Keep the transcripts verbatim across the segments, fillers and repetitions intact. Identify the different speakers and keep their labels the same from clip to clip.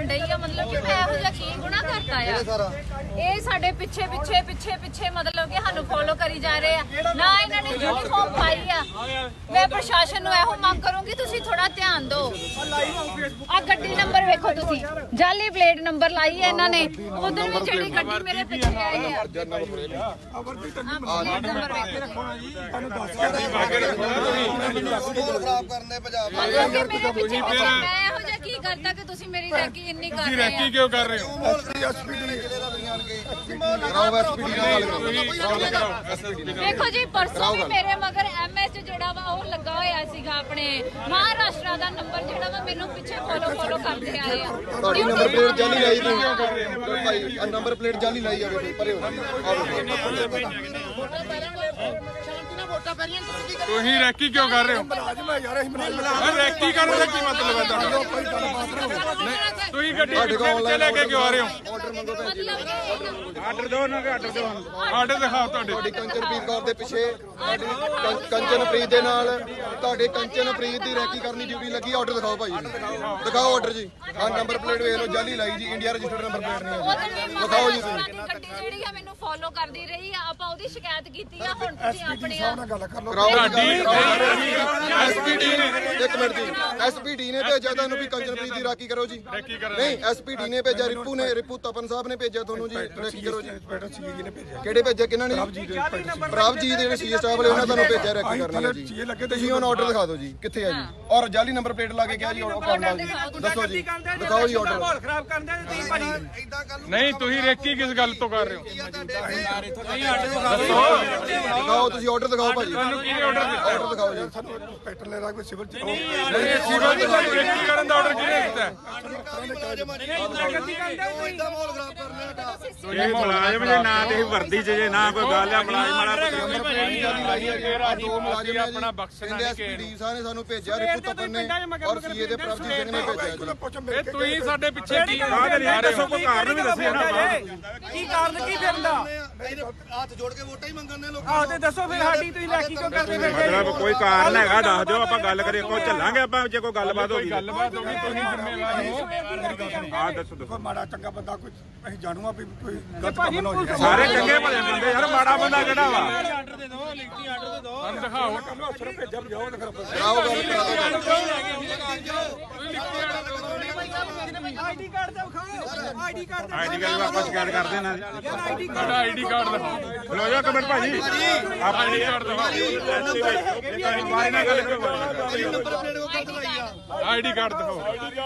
Speaker 1: ਡਈ ਆ मतलब कि मैं ਇਹੋ ਜਿਹਾ ਕੀ ਗੁਨਾਹ ਕਰਤਾ ਆ ਇਹ ਸਾਡੇ ਪਿੱਛੇ ਪਿੱਛੇ ਪਿੱਛੇ ਪਿੱਛੇ मतलब कि ਸਾਨੂੰ ਫੋਲੋ ਕਰੀ ਜਾ ਰਹੇ ਆ ਨਾ ਇਹਨਾਂ ਨੇ ਯੂਨੀਫਾਰਮ ਪਾਈ ਆ ਮੈਂ ਪ੍ਰਸ਼ਾਸਨ ਨੂੰ ਇਹੋ ਮੰਗ ਕਰੂੰਗੀ ਤੁਸੀਂ ਥੋੜਾ ਧਿਆਨ ਦਿਓ ਆ ਗੱਡੀ ਨੰਬਰ ਵੇਖੋ ਤੁਸੀਂ ਜਾਲੀ ਪਲੇਟ ਨੰਬਰ ਲਾਈ ਹੈ ਇਹਨਾਂ ਨੇ ਉਧਰ ਵੀ ਜਿਹੜੀ ਗੱਡੀ ਮੇਰੇ ਪਿੱਛੇ ਆਈ ਆ ਨੰਬਰ ਵੇਖੋ
Speaker 2: ਖਰਾਬ ਕਰਨੇ ਪੰਜਾਬ
Speaker 1: ਮੈਂ ਇਹੋ ਜਿਹਾ ਕੀ ਕਰਤਾ ਕਿ ਤੁਸੀਂ ਮੇਰੀ ਰੈਕੀ ਇੰਨੀ ਕਰ ਰਹੇ ਹੋ
Speaker 3: ਕਿਉਂ ਕਰ ਰਹੇ ਹੋ
Speaker 1: ਦੇਖੋ ਜੀ ਪਰਸੋਂ ਵੀ ਮੇਰੇ ਮਗਰ ਐਮਐਚ ਜਿਹੜਾ ਵਾ ਉਹ ਲੱਗਾ ਹੋਇਆ ਸੀਗਾ ਆਪਣੇ ਮਹਾਰਾਸ਼ਟਰ ਦਾ ਨੰਬਰ ਜਿਹੜਾ ਵਾ ਮੈਨੂੰ ਪਿੱਛੇ ਫੋਲੋ ਫੋਲੋ ਕਰਦੇ ਆਏ ਆ
Speaker 2: ਤੁਹਾਡੀ ਨੰਬਰ ਪਲੇਟ ਜਾਲੀ ਲਾਈ ਤੁਸੀਂ ਭਾਈ ਆ ਨੰਬਰ ਪਲੇਟ ਜਾਲੀ ਲਾਈ ਜਾਵੇ ਪਰੇ ਹੋ
Speaker 3: ਤੁਸੀਂ ਰੈਕੀ ਕਿਉਂ ਕਰ ਰਹੇ ਹੋ ਰੈਕੀ ਕਰਨ ਦਾ ਕੀ ਮਤਲਬ ਹੈ ਤੁਹਾਡਾ ਤੁਸੀਂ ਗੱਡੀ ਪਿੱਛੇ ਲੈ ਕੇ ਕਿਉਂ ਆ ਰਹੇ ਹੋ
Speaker 2: ਆਰਡਰ ਮੰਗੋ ਭੈਣ ਜੀ
Speaker 3: ਆਰਡਰ ਦਿਓ ਨਾ ਆਰਡਰ ਦਿਓ ਆਰਡਰ ਦਿਖਾਓ ਤੁਹਾਡੇ
Speaker 2: ਤੁਹਾਡੀ ਕੰਚਨਪ੍ਰੀਤ ਕੌਰ ਦੇ ਪਿੱਛੇ ਤੁਹਾਡੀ ਕੰਚਨਪ੍ਰੀਤ ਦੇ ਨਾਲ ਤੁਹਾਡੇ ਕੰਚਨਪ੍ਰੀਤ ਦੀ ਰੈਕੀ ਕਰਨੀ ਡਿਊਟੀ ਲੱਗੀ ਆਰਡਰ ਦਿਖਾਓ ਭਾਈ ਦਿਖਾਓ ਆਰਡਰ ਜੀ ਆਹ ਨੰਬਰ ਪਲੇਟ ਵੇਖ ਲਓ ਜਾਲੀ ਲਾਈ ਜੀ ਇੰਡੀਆ ਰਜਿਸਟਰਡ ਨੰਬਰ ਪਲੇਟ ਨਹੀਂ ਹੈ ਦਿਖਾਓ ਜੀ ਤੁਸੀਂ
Speaker 1: ਗੱਡੀ ਜਿਹੜੀ ਆ ਮੈਨੂੰ ਫੋਲੋ ਕਰਦੀ ਰਹੀ ਆ ਆਪਾਂ ਉਹਦੀ ਸ਼ਿਕਾਇਤ ਕੀਤੀ ਆ ਹੁਣ ਤੁਸੀਂ ਆਪਣੇ ਆ
Speaker 2: ਐਸਪੀਡੀ ਨੇ ਇੱਕ ਮਿੰਟ ਜੀ ਐਸਪੀਡੀ ਨੇ ਭੇਜਿਆ ਤੁਹਾਨੂੰ ਵੀ ਕੰਚਨਪ੍ਰੀਤ ਦੀ ਰਾਖੀ ਕਰੋ ਜੀ ਨਹੀਂ ਐਸਪੀਡੀ ਨੇ ਭੇਜਿਆ ਰਿਪੂ ਨੇ ਰਿਪੂ ਤਪਨ ਸਾਹਿਬ ਨੇ ਭੇਜਿਆ ਤੁਹਾਨੂੰ ਜੀ ਰਾਖੀ ਕਰੋ ਜੀ ਕਿਹੜੇ ਭੇਜਿਆ ਕਿਹਨਾਂ ਨੇ ਪ੍ਰਭਜੀਤ ਜਿਹੜੇ ਸੀ ਸਟਾਫ ਵਾਲੇ ਉਹਨਾਂ ਤੁਹਾਨੂੰ ਭੇਜਿਆ ਰਾਖੀ ਕਰਨੀ ਜੀ ਤੁਸੀਂ ਉਹਨਾਂ ਆਰਡਰ ਦਿਖਾ ਦਿਓ ਜੀ ਕਿੱਥੇ ਆ ਜੀ ਔਰ ਜਾਲੀ ਨੰਬਰ ਪਲੇਟ ਲਾ ਕੇ ਕਿਹਾ ਜੀ ਆਰਡਰ ਕਰਨਾ ਜੀ ਦੱਸੋ ਜੀ ਦਿਖਾਓ ਜੀ ਆਰਡਰ
Speaker 4: ਮਾਹੌਲ ਖਰਾਬ ਕਰਦੇ ਤੁਸੀਂ ਭਾਜੀ
Speaker 3: ਨਹੀਂ ਤੁਸੀਂ ਰੈਕੀ ਕਿਸ ਗੱਲ ਤੋਂ ਕਰ ਰਹੇ ਹੋ
Speaker 2: ਦਿਖਾਓ ਤੁਸੀਂ ਆਰਡਰ ਦਿਖਾਓ ਭਾਜੀ
Speaker 3: ਤੁਹਾਨੂੰ ਕਿਹਨੇ ਆਰਡਰ ਦਿੱਤਾ
Speaker 2: ਆਰਡਰ ਦਿਖਾਓ ਜੀ
Speaker 5: ਪੈਟਰੋਲ ਲੈ ਕੋਈ ਸਿਵਲ ਚ
Speaker 3: ਨਹੀਂ ਸਿਵਲ ਦੀ ਰੈਕੀ ਕਰਨ ਦਾ ਆਰਡਰ ਕਿਹਨੇ ਦਿੱਤਾ
Speaker 6: ਇਹ ਮੁਲਾਜ਼ਮ ਜੇ ਨਾ ਤੇ ਵਰਦੀ ਚ ਜੇ ਨਾ ਕੋਈ ਗੱਲ ਆ ਮੁਲਾਜ਼ਮ ਵਾਲਾ
Speaker 2: ਦੋ ਮੁਲਾਜ਼ਮ ਆਪਣਾ ਬਖਸ਼ਣਾ ਨਹੀਂ ਐਸਪੀਡੀ ਸਾਹਿਬ ਨੇ ਸਾਨੂੰ ਭੇਜਿਆ ਰਿਪੂ ਤਪਨ ਨੇ ਔਰ ਸੀਏ ਦੇ ਪ੍ਰਭਜੀਤ ਸਿੰਘ ਨੇ ਭੇਜਿਆ ਜੀ
Speaker 3: ਇਹ ਤੁਸੀਂ ਸਾਡੇ ਪਿੱਛੇ ਕੀ
Speaker 6: ਦੱਸੋ ਕੋਈ ਕਾਰਨ ਵੀ ਦੱਸਿਆ ਨਾ
Speaker 4: ਕੀ ਕਾਰਨ ਕੀ ਫਿਰਦਾ
Speaker 2: ਹੱਥ ਜੋੜ ਕੇ ਵੋਟਾਂ ਹੀ ਮੰਗਣ ਨੇ ਲੋਕਾਂ
Speaker 4: ਆਹ ਤੇ ਦੱਸੋ ਫਿਰ ਸਾਡੀ ਤੁਸੀਂ ਲੈਕੀ ਕਿਉਂ ਕਰਦੇ ਫਿਰਦੇ
Speaker 6: ਮਤਲਬ ਕੋਈ ਕਾਰਨ ਹੈਗਾ ਦੱਸ ਦਿਓ ਆਪਾਂ ਗੱਲ ਕਰੀਏ ਕੋਈ ਚੱਲਾਂਗੇ ਆਪਾਂ ਜੇ ਕੋਈ ਗੱਲਬਾਤ ਹੋ ਗਈ
Speaker 3: ਗੱਲਬਾਤ ਹੋ ਗਈ ਤੁਸੀਂ ਜ਼ਿੰਮੇਵਾਰ ਹੋ
Speaker 6: ਹਾਂ ਦੱਸੋ ਦੱਸੋ
Speaker 5: ਮਾੜਾ ਚੰਗਾ ਬੰਦਾ ਕੋਈ ਅਸੀਂ ਜਾਣੂਗਾ ਵੀ ਕੋਈ ਗਲਤ ਕੰਮ ਨਾ ਹੋ ਜਾਏ
Speaker 6: ਸਾਰੇ ਚੰਗੇ ਭਲੇ ਬੰਦੇ ਯਾਰ ਮਾੜਾ ਬੰਦਾ ਕਿਹੜਾ ਵਾ
Speaker 4: ਆਰਡਰ ਦੇ ਦਿਓ ਲਿਖਤੀ ਆਰਡਰ ਦੇ ਦਿਓ
Speaker 3: ਸਾਨੂੰ ਦਿਖਾਓ
Speaker 5: ਅਫਸਰ ਭੇਜਿਆ ਜਾਓ ਨਾ ਫਿਰ
Speaker 2: ਕਰਾਓ ਗੱਲ
Speaker 4: ਆਈਡੀ ਕਾਰਡ ਦਾ ਵਿਖਾਓ ਆਈਡੀ ਕਾਰਡ
Speaker 6: ਆਈਡੀ ਕਾਰਡ ਆਪਾਂ ਸ਼ਿਕਾਇਤ ਕਰਦੇ ਨਾ
Speaker 4: ਆਈਡੀ
Speaker 3: ਤੁਹਾਡਾ ਆਈਡੀ ਕਾਰਡ ਦਿਖਾਓ
Speaker 6: ਲੋ ਜਾ ਕਮੈਂਟ ਭਾਜੀ
Speaker 3: ਆਪਾਂ ਆਈਡੀ ਕਾਰਡ ਦਿਖਾਓ
Speaker 6: ਬਾਰੇ ਨਾਲ ਗੱਲ ਕਰੋ
Speaker 3: ਆਈਡੀ ਕਾਰਡ ਦਿਖਾਓ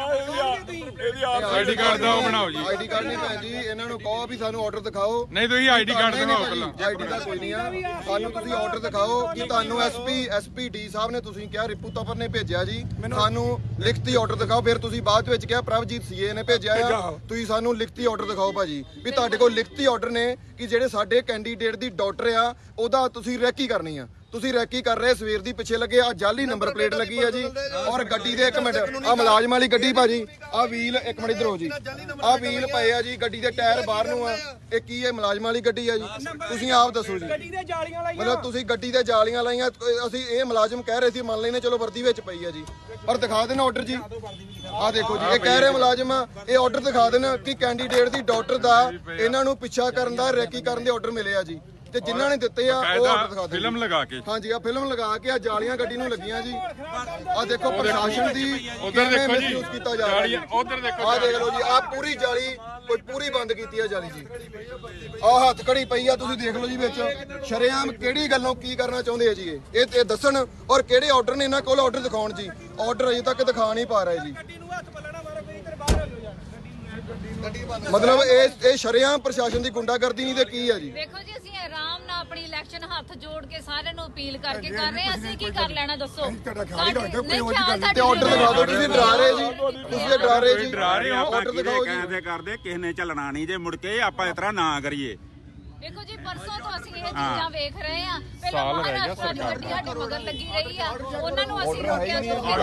Speaker 3: ਆਈਡੀ ਕਾਰਡ ਦਾ ਉਹ ਬਣਾਓ ਜੀ
Speaker 2: ਆਈਡੀ ਕਾਰਡ ਨਹੀਂ ਭੈਣ ਜੀ ਇਹਨਾਂ ਨੂੰ ਕਹੋ ਵੀ ਸਾਨੂੰ ਆਰਡਰ ਦਿਖਾਓ
Speaker 3: ਨਹੀਂ ਤੁਸੀਂ ਆਈਡੀ ਕਾਰਡ ਦਿਖਾਓ ਪਹਿਲਾਂ
Speaker 2: ਆਈਡੀ ਦਾ ਕੋਈ ਨਹੀਂ ਆ ਸਾਨੂੰ ਤੁਸੀਂ ਆਰਡਰ ਦਿਖਾਓ ਕਿ ਤੁਹਾਨੂੰ ਐਸਪੀ ਐਸਪੀਡੀ ਸਾਹਿਬ ਨੇ ਤੁਸੀਂ ਕਿਹਾ ਰਿਪੂ ਤਪਨ ਨੇ ਭੇਜਿਆ ਜੀ ਸਾਨੂੰ ਲਿਖਤੀ ਆਰਡਰ ਦਿਖਾਓ ਫਿਰ ਤੁਸੀਂ ਬਾਅਦ ਵਿੱਚ ਕਿਹਾ ਪ੍ਰਭਜੀਤ ਸੀਏ ਨੇ ਭੇਜਿਆ ਆ ਤੁਸੀਂ ਸਾਨੂੰ ਲਿਖਤੀ ਆਰਡਰ ਦਿਖਾਓ ਭਾਜੀ ਵੀ ਤੁਹਾਡੇ ਕੋਲ ਲਿਖਤੀ ਆਰਡਰ ਨੇ ਕਿ ਜਿਹੜੇ ਸਾਡੇ ਕੈਂਡੀਡੇਟ ਦੀ ਡਾਕਟਰ ਆ ਉਹਦਾ ਤੁਸੀਂ ਰੈਕੀ ਕਰਨੀ ਆ ਤੁਸੀਂ ਰੈਕੀ ਕਰ ਰਹੇ ਸਵੇਰ ਦੀ ਪਿੱਛੇ ਲੱਗੇ ਆ ਜਾਲੀ ਨੰਬਰ ਪਲੇਟ ਲੱਗੀ ਆ ਜੀ ਔਰ ਗੱਡੀ ਦੇ ਇੱਕ ਮਿੰਟ ਆ ਮੁਲਾਜ਼ਮ ਵਾਲੀ ਗੱਡੀ ਭਾਜੀ ਆ ਵੀਲ ਇੱਕ ਮਿੰਟ ਇਧਰ ਹੋ ਜੀ ਆ ਵੀਲ ਪਏ ਆ ਜੀ ਗੱਡੀ ਦੇ ਟਾਇਰ ਬਾਹਰ ਨੂੰ ਆ ਇਹ ਕੀ ਹੈ ਮੁਲਾਜ਼ਮ ਵਾਲੀ ਗੱਡੀ ਆ ਜੀ ਤੁਸੀਂ ਆਪ ਦੱਸੋ ਜੀ
Speaker 4: ਗੱਡੀ ਦੇ ਜਾਲੀਆਂ ਲਾਈਆਂ
Speaker 2: ਮਤਲਬ ਤੁਸੀਂ ਗੱਡੀ ਤੇ ਜਾਲੀਆਂ ਲਾਈਆਂ ਅਸੀਂ ਇਹ ਮੁਲਾਜ਼ਮ ਕਹਿ ਰਹੇ ਸੀ ਮੰਨ ਲੈਨੇ ਚਲੋ ਵਰਦੀ ਵਿੱਚ ਪਈ ਆ ਜੀ ਪਰ ਦਿਖਾ ਦੇਣਾ ਆਰਡਰ ਜੀ ਆ ਦੇਖੋ ਜੀ ਇਹ ਕਹਿ ਰਹੇ ਮੁਲਾਜ਼ਮ ਇਹ ਆਰਡਰ ਦਿਖਾ ਦੇਣ ਕਿ ਕੈਂਡੀਡੇਟ ਦੀ ਡਾਕਟਰ ਦਾ ਇਹਨਾਂ ਨੂੰ ਪਿੱਛਾ ਕਰਨ ਦਾ ਰੈਕੀ ਕਰਨ ਦੇ ਆਰਡਰ ਮਿਲੇ ਆ ਜੀ ਤੇ ਜਿਨ੍ਹਾਂ ਨੇ ਦਿੱਤੇ ਆ ਉਹ ਆਰਡਰ ਦਿਖਾ ਦੇ
Speaker 3: ਫਿਲਮ ਲਗਾ ਕੇ
Speaker 2: ਹਾਂਜੀ ਆ ਫਿਲਮ ਲਗਾ ਕੇ ਆ ਜਾਲੀਆਂ ਗੱਡੀ ਨੂੰ ਲੱਗੀਆਂ ਜੀ ਆ ਦੇਖੋ ਪ੍ਰਸ਼ਾਸਨ ਦੀ
Speaker 3: ਉਧਰ ਦੇਖੋ ਜੀ
Speaker 2: ਯੂਜ਼ ਕੀਤਾ ਜਾ ਰਿਹਾ
Speaker 3: ਉਧਰ ਦੇਖੋ
Speaker 2: ਆ ਦੇਖ ਲਓ ਜੀ ਆ ਪੂਰੀ ਜਾਲੀ ਕੋਈ ਪੂਰੀ ਬੰਦ ਕੀਤੀ ਆ ਜਾਲੀ ਜੀ ਆ ਹੱਥ ਕੜੀ ਪਈ ਆ ਤੁਸੀਂ ਦੇਖ ਲਓ ਜੀ ਵਿੱਚ ਸ਼ਰੇਆਮ ਕਿਹੜੀ ਗੱਲੋਂ ਕੀ ਕਰਨਾ ਚਾਹੁੰਦੇ ਆ ਜੀ ਇਹ ਇਹ ਇਹ ਦੱਸਣ ਔਰ ਕਿਹੜੇ ਆਰਡਰ ਨੇ ਇਹਨਾਂ ਕੋਲ ਆਰਡਰ ਦਿਖਾਉਣ ਜੀ ਆਰਡਰ ਅਜੇ ਤੱਕ ਦਿਖਾ ਨਹੀਂ ਪਾ ਰਹੇ ਜੀ
Speaker 4: ਗੱਡੀ ਨੂੰ ਹੱਥ ਪੱਲਣਾ ਮਾਰੋ ਕੋਈ ਇੱਧਰ ਬਾਹਰ ਹੋ ਜਾ
Speaker 2: ਮਤਲਬ ਇਹ ਇਹ ਸ਼ਰੇਆਮ ਪ੍ਰਸ਼ਾਸਨ ਦੀ ਗੁੰਡਾਗਰਦੀ ਨਹੀਂ ਤੇ ਕੀ ਆ ਜੀ
Speaker 1: ਦੇਖੋ ਜੀ ਅਸੀਂ ਆਰਾਮ ਨਾਲ ਆਪਣੀ ਇਲੈਕਸ਼ਨ ਹੱਥ ਜੋੜ ਕੇ ਸਾਰਿਆਂ ਨੂੰ ਅਪੀਲ ਕਰਕੇ ਕਰ ਰਹੇ ਹਾਂ ਅਸੀਂ ਕੀ ਕਰ ਲੈਣਾ ਦੱਸੋ
Speaker 5: ਤੁਹਾਡਾ ਖਿਆਲ ਹੀ ਰੱਖਦੇ ਕੋਈ ਹੋਰ ਗੱਲ
Speaker 2: ਤੇ ਆਰਡਰ ਦਿਖਾ ਦਿਓ ਤੁਸੀਂ ਡਰਾ ਰਹੇ ਜੀ ਤੁਸੀਂ ਇਹ ਡਰਾ ਰਹੇ ਜੀ
Speaker 6: ਡਰਾ ਰਹੇ ਹੋ
Speaker 2: ਆਰਡਰ ਦਿਖਾਓ ਜੀ
Speaker 6: ਕਹਿੰਦੇ ਕਰਦੇ ਕਿਸੇ ਨੇ ਚੱਲਣਾ ਨਹੀਂ ਜੇ ਮੁੜ ਕੇ ਆਪਾਂ ਇਸ ਤਰ੍ਹਾਂ ਨਾ ਕਰੀਏ
Speaker 1: ਦੇਖੋ ਜੀ ਪਰਸੋਂ ਤੋਂ ਅਸੀਂ ਇਹ ਚੀਜ਼ਾਂ ਵੇਖ ਰਹੇ ਆ ਪਹਿਲਾਂ ਮਹਾਰਾਸ਼ਟਰ ਦੀ ਗੱਡੀ ਸਾਡੇ ਮਗਰ ਲੱਗੀ ਰਹੀ ਆ ਉਹਨਾਂ ਨੂੰ ਅਸੀਂ ਰੋਕਿਆ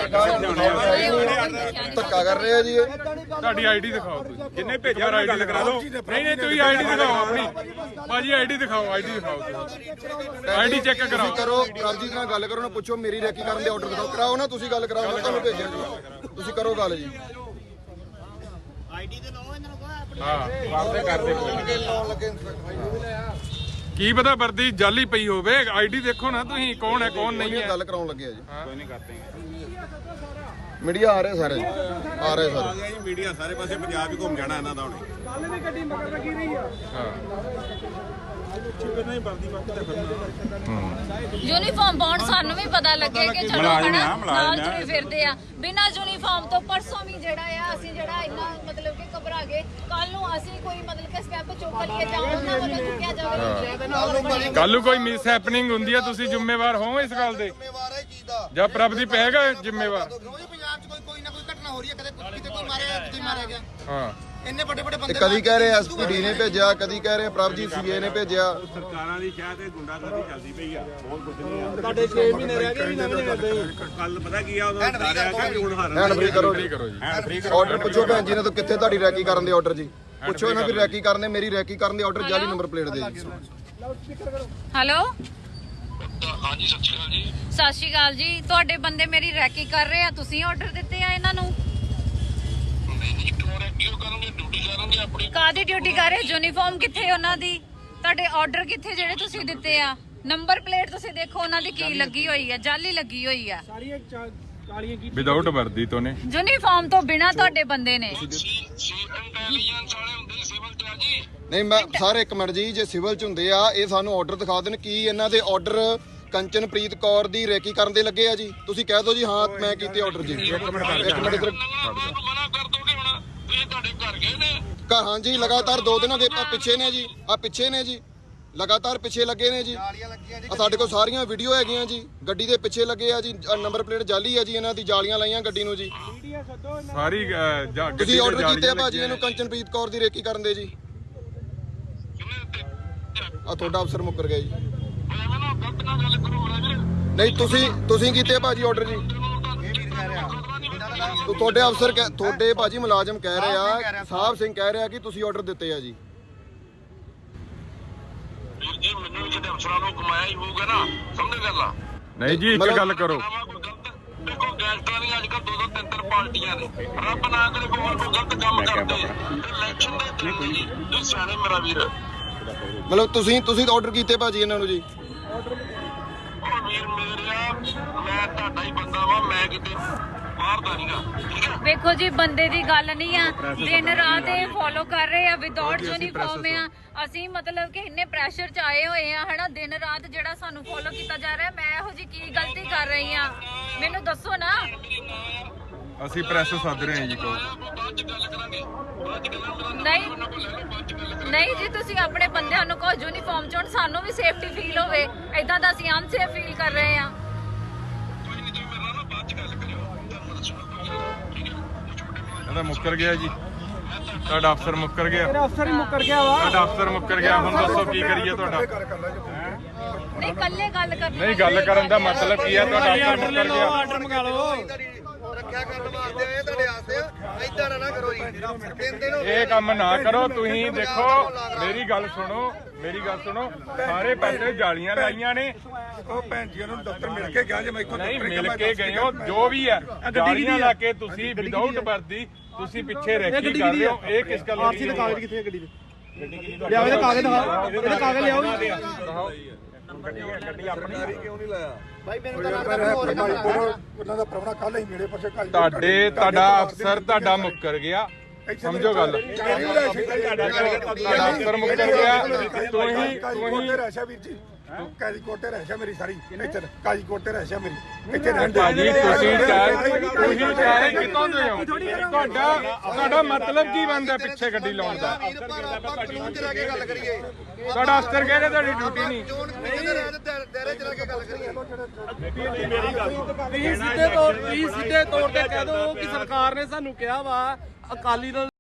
Speaker 2: ਧੱਕਾ ਕਰ ਰਹੇ ਆ ਜੀ ਇਹ
Speaker 3: ਤੁਹਾਡੀ ਆਈਡੀ ਦਿਖਾਓ ਤੁਸੀਂ
Speaker 6: ਜਿੰਨੇ ਭੇਜਿਆ ਉਹਨਾਂ ਗੱਲ ਕਰਾ ਦਿਓ
Speaker 3: ਨਹੀਂ ਨਹੀਂ ਤੁਸੀਂ ਆਈਡੀ ਦਿਖਾਓ ਆਪਣੀ ਭਾਜੀ ਆਈਡੀ ਦਿਖਾਓ ਆਈਡੀ ਦਿਖਾਓ ਤੁਸੀਂ ਆਈਡੀ ਚੈੱਕ ਕਰਾਓ
Speaker 2: ਕਰੋ ਪ੍ਰਭਜੀਤ ਨਾਲ ਗੱਲ ਕਰੋ ਨਾ ਪੁੱਛੋ ਮੇਰੀ ਰੈਕੀ ਕਰਨ ਦੇ ਆਰਡਰ ਦਿਖਾਓ ਕਰਾਓ ਨਾ ਤੁਸੀਂ ਗੱਲ ਕਰਾਓ ਮੈਂ ਤੁਹਾਨੂੰ ਭੇਜਿਆ ਜੀ ਤੁਸੀਂ ਕਰੋ ਗੱਲ ਜੀ
Speaker 3: ਹਾਂ ਵਾਪਸ ਕਰਦੇ ਕੋਈ ਨੀ।
Speaker 2: ਲਾਉਣ ਲੱਗੇ ਇੰਸਪੈਕਟਰ
Speaker 3: ਕੀ ਪਤਾ ਵਰਦੀ ਜਾਲੀ ਪਈ ਹੋਵੇ ਆਈਡੀ ਦੇਖੋ ਨਾ ਤੁਸੀਂ ਕੌਣ ਹੈ ਕੌਣ ਨਹੀਂ ਹੈ।
Speaker 2: ਗੱਲ ਕਰਾਉਣ ਲੱਗੇ ਆ ਜੀ
Speaker 6: ਕੋਈ ਨਹੀਂ ਕਰਦੇ
Speaker 2: ਮੀਡੀਆ ਆ ਰਹੇ ਸਾਰੇ ਆ ਰਹੇ ਸਾਰੇ
Speaker 6: ਜੀ ਮੀਡੀਆ ਸਾਰੇ ਪਾਸੇ ਪੰਜਾਬ ਹੀ ਘੁੰਮ ਜਾਣਾ ਇਹਨਾਂ ਦਾ ਹੁਣੇ
Speaker 4: ਕੱਲ ਵੀ ਗੱਡੀ ਮਗਰ ਲੱਗੀ ਰਹੀ ਆ
Speaker 1: ਯੂਨੀਫਾਰਮ ਪਾਉਣ ਸਾਨੂੰ ਵੀ ਪਤਾ ਲੱਗੇ ਕਿ ਚਲੋ
Speaker 6: ਮੁਲਾਜ਼ਮ
Speaker 1: ਹਨਾ
Speaker 6: ਆ, ਮੁਲਾਜ਼ਮ
Speaker 1: ਨਾਲ
Speaker 6: ਆ।
Speaker 1: ਜੁੜੇ ਫਿਰਦੇ ਆ ਬਿਨਾਂ ਯੂਨੀਫਾਰਮ ਤੋਂ ਪਰਸੋਂ ਵੀ ਜਿਹੜਾ ਆ ਅਸੀਂ ਜਿਹੜਾ ਇੰਨਾ ਮਤਲਬ ਕਿ ਘਬਰਾ ਗਏ ਕੱਲ ਨੂੰ ਅਸੀਂ ਕੋਈ ਮਤਲਬ ਕਿ ਸਟੈਪ ਚੁੱਕ ਲਈਏ ਜਾਂ ਉਹਨਾਂ ਵੱਲੋਂ ਚੁੱਕਿਆ ਜਾਵੇ
Speaker 3: ਕੱਲ ਨੂੰ ਕੋਈ ਮਿਸ ਹੈਪਨਿੰਗ ਹੁੰਦੀ ਹੈ ਤੁਸੀਂ ਜ਼ਿੰਮੇਵਾਰ ਹੋ ਇਸ ਗੱਲ ਦੇ
Speaker 2: ਜ਼ਿੰਮੇਵਾਰ ਹੈ ਚੀਜ਼ ਦਾ
Speaker 3: ਜਾਂ ਪ੍ਰਭਦੀਪ ਹੈਗਾ ਜ਼ਿੰਮੇਵਾਰ
Speaker 7: ਰੋਜ਼ ਪੰਜਾਬ 'ਚ ਕੋਈ ਕੋਈ ਨਾ ਕੋਈ ਘਟਨਾ ਹੋ ਰਹੀ ਹੈ ਕਦੇ ਕਿਤੇ ਕੋਈ ਮਾਰਿਆ ਕਿਤੇ ਮਾਰਿਆ ਗਿਆ
Speaker 3: ਹਾਂ
Speaker 7: ਇੰਨੇ ਵੱਡੇ ਵੱਡੇ
Speaker 2: ਤੇ
Speaker 7: ਬੰਦੇ
Speaker 2: ਕਦੀ ਕਹਿ ਰਹੇ ਐਸਪੀਡੀ ਨੇ ਭੇਜਿਆ ਕਦੀ ਕਹਿ ਰਹੇ ਪ੍ਰਭਜੀਤ ਸੀਏ ਨੇ ਭੇਜਿਆ
Speaker 6: ਸਰਕਾਰਾਂ ਦੀ ਸ਼ਾਇਦ ਤੇ ਗੁੰਡਾਗਰਦੀ ਚੱਲਦੀ ਪਈ ਆ ਬਹੁਤ ਕੁਝ ਨਹੀਂ ਆ
Speaker 4: ਤੁਹਾਡੇ ਛੇ ਮਹੀਨੇ ਰਹਿ ਗਏ ਵੀ ਨਵੇਂ ਕਰਦੇ
Speaker 6: ਕੱਲ ਪਤਾ ਕੀ ਆ ਉਦੋਂ ਸਾਰਿਆ ਕਿ ਹੁਣ ਹਾਰਨ
Speaker 2: ਹੈਂਡ ਫ੍ਰੀ ਕਰੋ ਜੀ
Speaker 3: ਕਰੋ ਜੀ
Speaker 6: ਹੈਂਡ ਫ੍ਰੀ
Speaker 2: ਆਰਡਰ ਪੁੱਛੋ ਭੈਣ ਜੀ ਨੇ ਤਾਂ ਕਿੱਥੇ ਤੁਹਾਡੀ ਰੈਕੀ ਕਰਨ ਦੇ ਆਰਡਰ ਜੀ ਪੁੱਛੋ ਇਹਨਾਂ ਵੀ ਰੈਕੀ ਕਰਨ ਦੇ ਮੇਰੀ ਰੈਕੀ ਕਰਨ ਦੇ ਆਰਡਰ ਜਾਲੀ ਨੰਬਰ ਪਲੇਟ ਦੇ ਜੀ
Speaker 1: ਹੈਲੋ
Speaker 8: ਹਾਂਜੀ ਸਤਿ ਸ਼੍ਰੀ ਅਕਾਲ ਜੀ
Speaker 1: ਸਤਿ ਸ਼੍ਰੀ ਅਕਾਲ ਜੀ ਤੁਹਾਡੇ ਬੰਦੇ ਮੇਰੀ ਰੈਕੀ ਕਰ ਰਹੇ ਆ ਤੁਸੀਂ ਆਰਡਰ ਦਿੱਤੇ ਆ ਇਹਨਾਂ ਨੂੰ
Speaker 8: ਨਹੀਂ ਨਹੀਂ ਕਿਉਂ ਰਹਿ ਕਿਉਂ ਕਰੋਗੇ ਡਿਊਟੀ ਕਰੋਗੇ ਆਪਣੀ
Speaker 1: ਕਾਦੀ ਡਿਊਟੀ ਕਰ ਰਹੇ ਯੂਨੀਫਾਰਮ ਕਿੱਥੇ ਉਹਨਾਂ ਦੀ ਤੁਹਾਡੇ ਆਰਡਰ ਕਿੱਥੇ ਜਿਹੜੇ ਤੁਸੀਂ ਦਿੱਤੇ ਆ ਨੰਬਰ ਪਲੇਟ ਤੁਸੀਂ ਦੇਖੋ ਉਹਨਾਂ ਦੀ ਕੀ ਲੱਗੀ ਹੋਈ ਆ ਜਾਲੀ ਲੱਗੀ ਹੋਈ ਆ
Speaker 4: ਸਾਰੀਆਂ ਕਾਲੀਆਂ ਕੀ
Speaker 3: ਵਿਦਆਊਟ ਵਰਦੀ ਤੋਂ ਨੇ
Speaker 1: ਯੂਨੀਫਾਰਮ ਤੋਂ ਬਿਨਾ ਤੁਹਾਡੇ ਬੰਦੇ ਨੇ
Speaker 8: ਸੀ ਸੀ ਇੰਟੈਲੀਜੈਂਸ ਵਾਲੇ ਹੁੰਦੇ ਸਿਵਲ ਤੇ ਆ ਜੀ
Speaker 2: ਨਹੀਂ ਮੈਂ ਸਾਰੇ ਇੱਕ ਮਿੰਟ ਜੀ ਜੇ ਸਿਵਲ ਚ ਹੁੰਦੇ ਆ ਇਹ ਸਾਨੂੰ ਆਰਡਰ ਦਿਖਾ ਦੇਣ ਕੀ ਇਹਨਾਂ ਦੇ ਆਰਡਰ ਕੰਚਨਪ੍ਰੀਤ ਕੌਰ ਦੀ ਰੈਕੀ ਕਰਨ ਦੇ ਲੱਗੇ ਆ ਜੀ ਤੁਸੀਂ ਕਹਿ ਦਿਓ ਜੀ ਹਾਂ ਮੈਂ ਕੀਤੇ ਆਰਡਰ ਜੀ ਇੱਕ ਮਿੰਟ ਇੱਧਰ
Speaker 8: ਮੈਨੂੰ ਮਨਾ ਕਰ ਦੋਗੇ ਹੁਣ ਤੁਸੀਂ ਤੁਹਾਡੇ ਘਰ ਗਏ ਨੇ
Speaker 2: ਘਰ ਹਾਂਜੀ ਲਗਾਤਾਰ ਦੋ ਦਿਨਾਂ ਦੇ ਪ- ਪਿੱਛੇ ਨੇ ਜੀ ਆ ਪਿੱਛੇ ਨੇ ਜੀ ਲਗਾਤਾਰ ਪਿੱਛੇ ਲੱਗੇ ਨੇ ਜੀ ਆ ਸਾਡੇ ਕੋਲ ਸਾਰੀਆਂ ਵੀਡੀਓ ਹੈਗੀਆਂ ਜੀ ਗੱਡੀ ਦੇ ਪਿੱਛੇ ਲੱਗੇ ਆ ਜੀ ਨੰਬਰ ਪਲੇਟ ਜਾਲੀ ਆ ਜੀ ਇਹਨਾਂ ਦੀ ਜਾਲੀਆਂ ਲਾਈਆਂ ਗੱਡੀ ਨੂੰ ਜੀ
Speaker 4: ਮੀਡੀਆ ਸੱਦੋ ਇਹਨਾਂ
Speaker 3: ਸਾਰੀ ਅਹ, ਜਾ- ਗੱਡੀ
Speaker 2: ਤੁਸੀਂ
Speaker 3: ਤੇ
Speaker 2: ਆਰਡਰ ਕੀਤੇ ਆ
Speaker 3: ਜਾਲੀਆਂ
Speaker 2: ਭਾਜੀ
Speaker 3: ਲੱਗੀਆਂ
Speaker 2: ਇਹਨੂੰ ਕੰਚਨਪ੍ਰੀਤ ਕੌਰ ਦੀ ਰੇਕੀ ਕਰਨ ਦੇ ਜੀ ਆ ਤੁਹਾਡਾ ਅਫਸਰ ਮੁੱਕਰ ਗਿਆ ਜੀ
Speaker 8: ਐਵੇਂ ਨਾ ਗਲਤ ਨਾ ਗੱਲ ਕਰੋ ਮੇਰਾ ਵੀਰ
Speaker 2: ਨਹੀਂ ਤੁਸੀਂ ਤੁਸੀਂ ਕੀਤੇ ਆ ਭਾਜੀ ਆਰਡਰ ਜੀ ਤੋ ਤੁਹਾਡੇ ਅਫਸਰ ਕਹਿ- ਤੁਹਾਡੇ ਭਾਜੀ ਮੁਲਾਜ਼ਮ ਕਹਿ ਰਹੇ ਆ ਸਾਹਿਬ ਸਿੰਘ ਕਹਿ ਰਿਹਾ ਕਿ ਤੁਸੀਂ ਆਰਡਰ ਦਿੱਤੇ ਆ ਜੀ
Speaker 8: ਵੀਰ ਜੀ ਮੈਨੂੰ ਵੀ ਕਿਤੇ ਅਫਸਰਾਂ ਨੂੰ ਕਮਾਇਆ ਹੀ ਹੋਊਗਾ ਨਾ ਸਮਝ ਗੱਲ ਆ
Speaker 3: ਨਹੀਂ ਜੀ ਇੱਕ ਗੱਲ ਕਰੋ
Speaker 8: ਆਵਾ ਕੋਈ ਗਲਤ ਦੇਖੋ ਗੈਂਗਸਟਰਾਂ ਦੀਆਂ ਅੱਜ ਕੱਲ੍ਹ ਦੋ ਦੋ ਤਿੰਨ ਤਿੰਨ ਪਾਰਟੀਆਂ ਨੇ ਰੱਬ ਨਾ ਕਰੇ ਕੋਈ ਹੋਰ ਕੋਈ ਗਲਤ ਕੰਮ ਕਰਦੇ ਇਲੈਕਸ਼ਨ ਦੇ ਦਿਨ ਜੀ ਤੁਸੀਂ ਸਿਆਣੇ ਮੇਰਾ ਵੀਰ
Speaker 2: ਮਤਲਬ ਤੁਸੀਂ ਤੁਸੀਂ ਆਰਡਰ ਕੀਤੇ ਭਾਜੀ ਇਹਨਾਂ ਨੂੰ ਜੀ
Speaker 8: ਉਹ ਵੀਰ ਮੇਰਿਆ ਮੈਂ ਤੁਹਾਡਾ ਹੀ ਬੰਦਾ ਵਾ ਮੈਂ ਕਿਤੇ ਬਾਹਰ ਦਾ ਨਹੀਂਗਾ ਠੀਕ ਹੈ
Speaker 1: ਵੇਖੋ ਜੀ ਬੰਦੇ ਦੀ ਗੱਲ ਨਹੀਂ ਆ ਦਿਨ ਰਾਤ ਇਹ ਫੋਲੋ ਕਰ ਰਹੇ ਆ ਵਿਦਆਊਟ ਯੂਨੀਫਾਰਮ ਆ ਅਸੀਂ ਮਤਲਬ ਕਿ ਇੰਨੇ ਪ੍ਰੈਸ਼ਰ ਚ ਆਏ ਹੋਏ ਆ ਹਨਾ ਦਿਨ ਰਾਤ ਜਿਹੜਾ ਸਾਨੂੰ ਫੋਲੋ ਕੀਤਾ ਜਾ ਰਿਹਾ ਮੈਂ ਇਹੋ ਜੀ ਕੀ ਗਲਤੀ ਕਰ ਰਹੀ ਆ ਮੈਨੂੰ ਦੱਸੋ ਨਾ
Speaker 3: ਅਸੀਂ ਪ੍ਰੈਸ ਸੱਦ ਰਹੇ ਹਾਂ ਜੀ ਕੋ
Speaker 8: ਬਾਅਦ ਚ ਗੱਲ ਕਰਾਂਗੇ ਬਾਅਦ ਚ ਗੱਲਾਂ ਮੇਰਾ
Speaker 1: ਨਹੀਂ
Speaker 8: ਨੰਬਰ ਲੈ ਲਓ ਬਾਅਦ ਚ ਗੱਲ ਕਰਾਂਗੇ
Speaker 1: ਨਹੀਂ ਜੀ ਤੁਸੀਂ ਆਪਣੇ ਬੰਦਿਆਂ ਨੂੰ ਕਹੋ ਯੂਨੀਫਾਰਮ ਚ ਹੁਣ ਸਾਨੂੰ ਵੀ ਸੇਫਟੀ ਫੀਲ ਹੋਵੇ ਏਦਾਂ ਦਾ ਅਸੀਂ ਅਨਸੇਫ ਫੀਲ ਕਰ ਰਹੇ ਆ
Speaker 8: ਕੋਈ ਨਹੀਂ ਤੁਸੀਂ ਮੇਰੇ ਨਾਲ ਨਾ ਬਾਅਦ ਚ ਗੱਲ ਕਰਿਓ ਤੁਹਾਨੂੰ ਦੱਸੂਗਾ ਕੋਈ ਠੀਕ ਹੈ ਛੋਟੇ ਮੋਬਾਈਲ
Speaker 3: ਇਹਦਾ ਮੁੱਕਰ ਗਿਆ ਜੀ ਤੁਹਾਡਾ ਅਫਸਰ ਮੁੱਕਰ ਗਿਆ
Speaker 4: ਤੇਰਾ ਅਫਸਰ ਹੀ ਮੁੱਕਰ ਗਿਆ ਵਾ
Speaker 3: ਤੁਹਾਡਾ ਅਫਸਰ ਮੁੱਕਰ ਗਿਆ ਹੁਣ ਦੱਸੋ ਕੀ ਕਰੀਏ ਤੁਹਾਡਾ
Speaker 1: ਨਹੀਂ ਕੱਲੇ ਗੱਲ ਕਰਨੀ
Speaker 3: ਨਹੀਂ ਗੱਲ ਕਰਨ ਦਾ ਮਤਲਬ ਕੀ ਹੈ ਤੁਹਾਡਾ ਅਫਸਰ ਮੁੱਕਰ ਗਿਆ
Speaker 4: ਆਰਡਰ ਮੰਗਾ ਲਓ
Speaker 2: ਰੱਖਿਆ ਕਰਨ ਵਾਸਤੇ ਆਏ ਤੁਹਾਡੇ ਆਸਤੇ ਐਦਾਂ ਨਾ ਕਰੋ ਜੀ ਤਿੰਨ ਦਿਨ
Speaker 3: ਇਹ ਕੰਮ ਨਾ ਕਰੋ ਤੁਸੀਂ ਦੇਖੋ ਮੇਰੀ ਗੱਲ ਸੁਣੋ ਮੇਰੀ ਗੱਲ ਸੁਣੋ ਸਾਰੇ ਪਾਸੇ ਜਾਲੀਆਂ ਲਾਈਆਂ ਨੇ
Speaker 5: ਉਹ ਭੈਣ ਜੀ ਨੂੰ ਦਫ਼ਤਰ ਮਿਲ ਕੇ ਗਿਆ ਜੇ ਮੈਂ ਇੱਥੋਂ
Speaker 3: ਨਹੀਂ
Speaker 5: ਦਫ਼ਤਰ
Speaker 3: ਮਿਲ ਕੇ ਗਏ ਹੋ ਜੋ ਵੀ ਹੈ ਜਾਲੀਆਂ ਲਾ ਕੇ ਤੁਸੀਂ ਵਿਦਆਊਟ ਵਰਦੀ ਤੁਸੀਂ ਪਿੱਛੇ ਰੈਕੀ ਕਰ ਰਹੇ ਹੋ ਇਹ ਕਿਸ ਗੱਲ
Speaker 4: ਆਰਸੀ ਦੇ ਕਾਗਜ਼ ਕਿੱਥੇ ਆ ਗੱਡੀ ਦੇ ਲਿਆਓ ਇਹਦੇ ਕਾਗਜ਼ ਦਿਖਾਓ ਇਹਦੇ ਕਾਗਜ਼ ਲਿਆਓ ਜੀ
Speaker 3: ਗੱਡੀ ਆਪਣੀ
Speaker 5: ਉਹਨਾਂ ਦਾ ਪ੍ਰਾਹੁਣਾ ਕੱਲ ਹੀ ਮੇਰੇ ਪਾਸੇ ਕੱਲ
Speaker 3: ਤੁਹਾਡੇ ਤੁਹਾਡਾ ਅਫਸਰ ਤੁਹਾਡਾ ਮੁੱਕਰ ਗਿਆ ਸਮਝੋ ਗੱਲ ਤੁਹਾਡਾ ਅਫਸਰ ਮੁੱਕਰ ਗਿਆ ਤੁਸੀਂ ਤੁਸੀਂ
Speaker 5: ਰਹਿਸ਼ਾ ਵੀਰ ਜੀ ਕਾਜੀ ਕੋਟੇ ਰਹਿਸ਼ਾ ਮੇਰੀ ਸਾਰੀ ਇੱਥੇ ਕਾਜੀ ਕੋਟੇ ਰਹਿਸ਼ਾ ਮੇਰੀ ਇੱਥੇ ਰਹਿਣ ਦੇ
Speaker 3: ਭਾਜੀ ਤੁਸੀਂ ਚਾਹ ਤੁਸੀਂ ਚਾਹ ਕਿਤੋਂ ਦੇ ਹੋ ਤੁਹਾਡਾ ਤੁਹਾਡਾ ਮਤਲਬ ਕੀ ਬਣਦਾ ਪਿੱਛੇ ਗੱਡੀ ਲਾਉਣ ਦਾ
Speaker 2: ਕਾਨੂੰਨ ਚ ਰਹਿ ਕੇ ਗੱਲ ਕਰੀਏ
Speaker 3: ਤੁਹਾਡਾ ਅਫਸਰ ਕਹਿੰਦੇ ਤੁਹਾਡੀ ਡਿਊਟੀ ਨਹੀਂ
Speaker 2: ਚੋਣ ਕਮਿਸ਼ਨ ਦੇ ਦਾਇਰੇ ਚ ਰਹਿ ਕੇ ਗੱਲ ਕਰੀਏ
Speaker 4: ਤੁਸੀਂ ਸਿੱਧੇ ਤੌਰ ਤੁਸੀਂ ਸਿੱਧੇ ਤੌਰ ਤੇ ਕਹਿ ਦਿਓ ਕਿ ਸਰਕਾਰ ਨੇ ਸਾਨੂੰ ਕਿਹਾ ਵਾ ਅਕਾਲੀ ਦਲ